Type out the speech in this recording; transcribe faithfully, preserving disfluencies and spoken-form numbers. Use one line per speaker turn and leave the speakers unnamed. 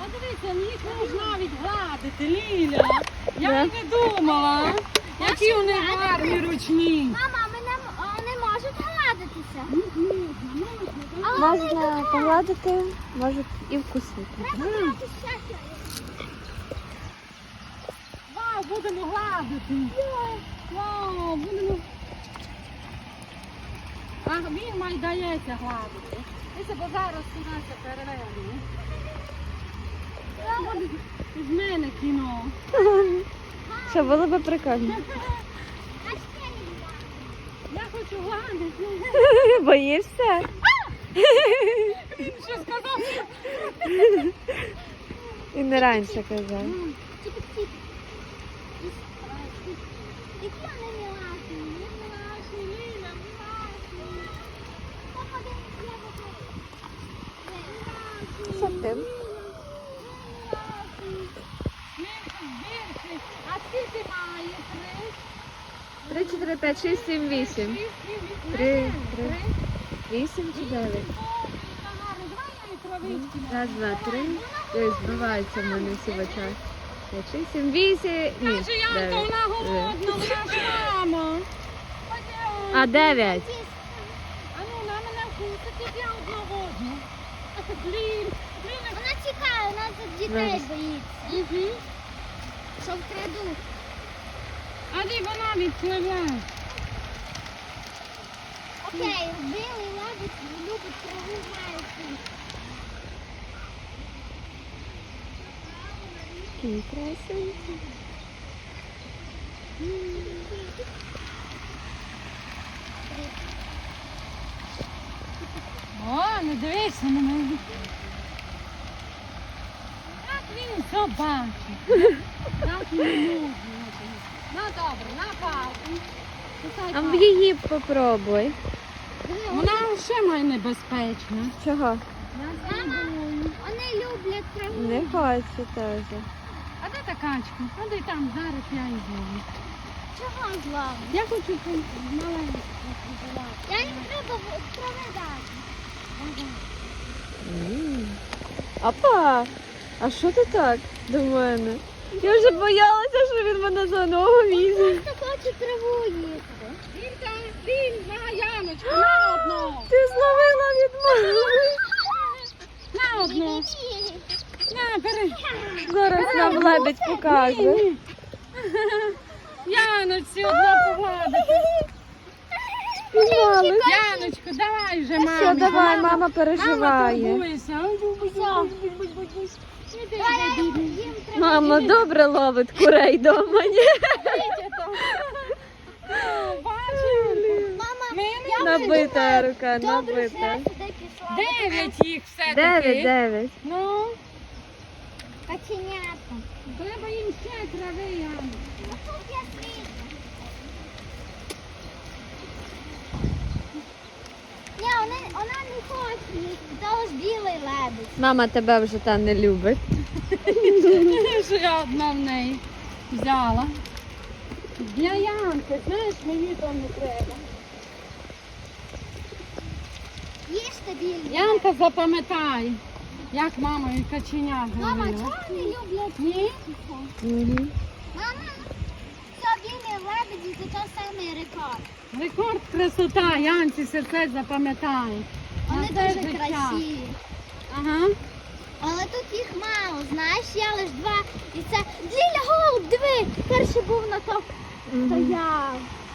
дивіться, їх можна навіть гладити, Ліля. Я й не думала, які вони гарні ручні.
Мама, вони можуть гладитися.
Можна погладити, можуть і вкусити.
Вау, будемо гладити. Вау, будемо. А він має дається гладити. Дивіться, бо зараз у нас переверне. З мене кіно.
Що, було б прикольно.
Я хочу гладити.
Боїшся?
Він що сказав?
І не раніше казав.
Які вони мілашні, мілашні, Ліля, мілашні.
Що ти?
А скільки має? Три?
Три, чотири, п'ять, шість, сім, вісім. Три, три. Вісім чи дев'ять? Раз, два, три. Ой, збиваються в мене всі в очах. П'ять, шість, сім, вісім. Ні,
Каже, Янка,
дев'ять.
вона голодна, вона ж мама.
А дев'ять.
А ну, на мене вкусить, я одна годна. Блін, блін,
Вона тікає, вона тут дітей боїться.
Угу.
Що вкрадуть.
А де вона відпливе?
Окей, білий лебедь любить траву, знає всі.
Такі красиві.
О, не дивися на мене. Як він все бачить. Так і не можна. Ну добре, на палку.
А в її попробуй.
Вона ще має небезпечна.
Чого?
Мама, вони люблять траву.
Не хочу теж.
А де та качка? А де там зараз я йду.
Чого зла?
Я хочу маленьку побувати.
Я їм треба в- трави дати.
М. Опа! А що ти так до мене? Я вже боялася, що він мене за ногу візьме.
Просто хоче траву їсти.
Вілька, Віль, на Яночку, на одну.
Ти зловила від мене.
На одну. На, бери.
Зараз нам лебедь покаже.
Яночці одна погладити.
Спіймали.
Яночку, давай вже, мама.
Все, давай, мама
Мама
переживає.
турбується.
Їм треба
Мама добре ловить курей дома, ні?
Мама,
Ми
Набита рука,
добре, що
набита.
я сюди пішла.
дев'ять їх все-таки.
Дев'ять, дев'ять.
Ну,
Каченята.
треба їм ще трави, Яночку.
Тут я свіжу. Ні, вона, вона не хоче їсти, то ж білий лебедь.
Мама тебе вже там не любить.
Що я одна в неї взяла. Для Янки, знаєш, мені то не треба.
Їжте білий.
Янка запам'ятай, як мама і каченя
Мама,
говорила.
чого вони люблять?
Ні?
Угу.
Мама, це білий лебеді, це той самий рекорд.
Рекорд красота, Янці серце запам'ятай.
Вони
На все
дуже
життя.
красиві.
Ага.
Але тут їх мало, знаєш, я лише два. І це Ліля голуб, диви, перший був на то стояв.